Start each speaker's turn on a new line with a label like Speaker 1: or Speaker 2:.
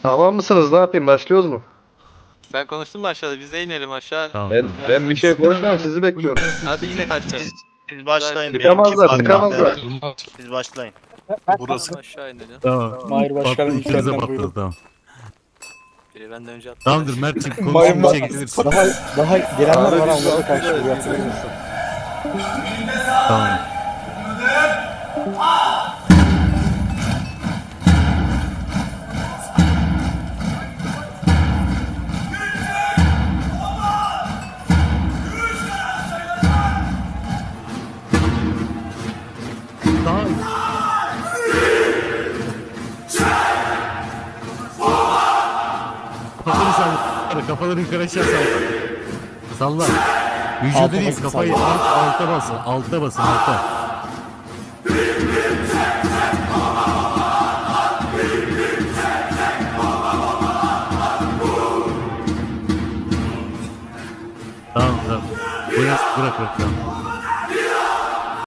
Speaker 1: Tamam mısınız? Ne yapayım? Başlıyoruz mu?
Speaker 2: Ben konuştum mu aşağıda? Biz de inelim aşağı.
Speaker 3: Tamam.
Speaker 1: Ben bir şey konuşmam. Sizi bekliyorum.
Speaker 2: Hadi yine aşağı.
Speaker 4: Siz başlayın.
Speaker 1: Çıkamazlar,
Speaker 4: benimki
Speaker 1: çıkamazlar.
Speaker 4: patladı. Siz başlayın.
Speaker 3: Burası.
Speaker 2: Aşağı inelim.
Speaker 3: Tamam.
Speaker 5: Mahir Başkan'ın
Speaker 3: Patladı, ikinize
Speaker 5: içeriden
Speaker 3: patladı
Speaker 5: buyurun.
Speaker 3: tamam.
Speaker 2: Biri benden önce attı.
Speaker 3: Tamamdır Mert'ciğim
Speaker 5: Mayın
Speaker 3: konuşun
Speaker 5: bak-
Speaker 3: çekilirsin.
Speaker 5: Daha gelenler var ama onlara karşı buraya
Speaker 3: Tamam. Daha Kafaları salla. Kafaları yukarı aşağı salla. Salla. Vücudu
Speaker 5: Alta
Speaker 3: değil
Speaker 5: basın,
Speaker 3: kafayı
Speaker 5: salla.
Speaker 3: alta basın. Alta basın alta. Tamam tamam. Bırak tamam.